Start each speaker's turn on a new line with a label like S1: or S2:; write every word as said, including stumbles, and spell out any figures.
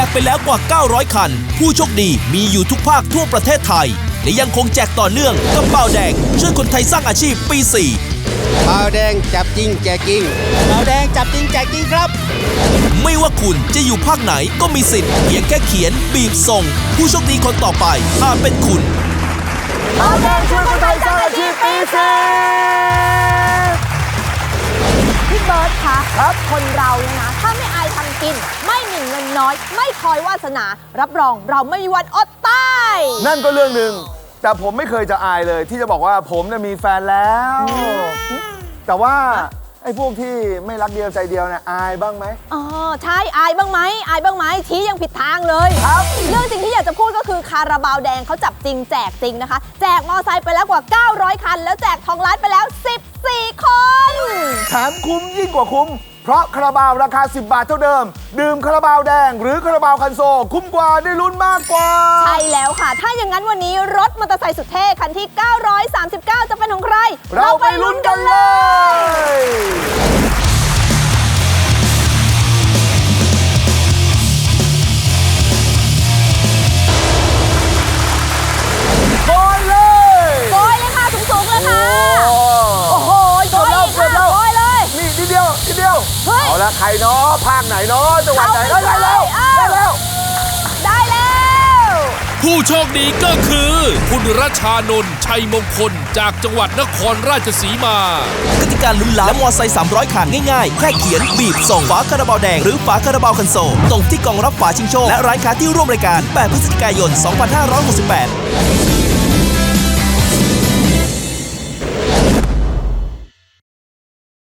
S1: ไปแล้วกว่าเก้าร้อยคันผู้โชคดีมีอยู่ทุกภาคทั่วประเทศไทยและยังคงแจกต่อเนื่องกับเบาแดงช่วยคนไทยสร้างอาชีพปีสี่
S2: เบาแดงจับจริงแจกจริงเบาแดงจับจริงแจกจริงครับ
S1: ไม่ว่าคุณจะอยู่ภาคไหนก็มีสิทธิ์เพียงแค่เขียนบีบส่งผู้โชคดีคนต่อไปอาจเป็นคุณ
S3: เบาแดงช่วยคนไทยสร้างอาชีพปีสี่
S4: พี่เบิร์ตคะ
S3: ครับ
S4: คนเราเนี่ยนะถ้าไม่อายทำกินไม่หมิ่นเงินน้อยไม่คอยวาสนารับรองเราไม่มีวันอดตาย
S3: นั่นก็เรื่องหนึ่งแต่ผมไม่เคยจะอายเลยที่จะบอกว่าผมเนี่ยมีแฟนแล้วแต่ว่าไอ้พวกที่ไม่รักเดียวใจเดียวเนี่ยอายบ้างไหม
S4: อ๋อใช่อายบ้างไหมอายบ้างไหมชี้ยังผิดทางเลย
S3: ครับ
S4: เรื่องจริงที่อยากจะพูดก็คือคาราบาวแดงเขาจับจริงแจกจริงนะคะแจกมอไซค์ไปแล้วกว่าเก้าร้อยคันแล้วแจกทองล้านไปแล้วสิบสี่คน
S3: แถมคุ้มยิ่งกว่าคุ้มเพราะคาราบาวราคาสิบบาทเท่าเดิมดื่มคาราบาวแดงหรือคาราบาวคันโซคุ้มกว่าได้ลุ้นมากกว่า
S4: ใช่แล้วค่ะถ้าอย่างนั้นวันนี้รถมอเตอร์ไซค์สุดเท่คันที่เก้าร้อยสามสิบเก้าจะเป็นของใคร
S3: เราไปลุ้นกันเลยโกยเลย
S4: โกยเลยค่ะสูงๆเลยค่ะโอ้โหโกยอีกค่ะโกยเลย
S3: นี่นิดเดียวนิดเดียวเอาละใครเนาะภาคไหนเนาะจังหวัดไหนได้แล้วได้แล้ว
S4: ได้แล้ว
S1: ผู้โชคดีก็คือคุณรัชานนท์ชัยมงคลจากจังหวัดนครราชสีมากติกาลุ้นล้านและมอไซค์สามร้อยคันง่ายๆแค่เขียนบีบส่งฝาคาราบาวแดงหรือฝาคาราบาวคันโซลตรงที่กล่องรับฝาชิงโชคและร้านค้าที่ร่วมรายการแปดพฤศจิกายนสองพันห้าร้อยหกสิบแปด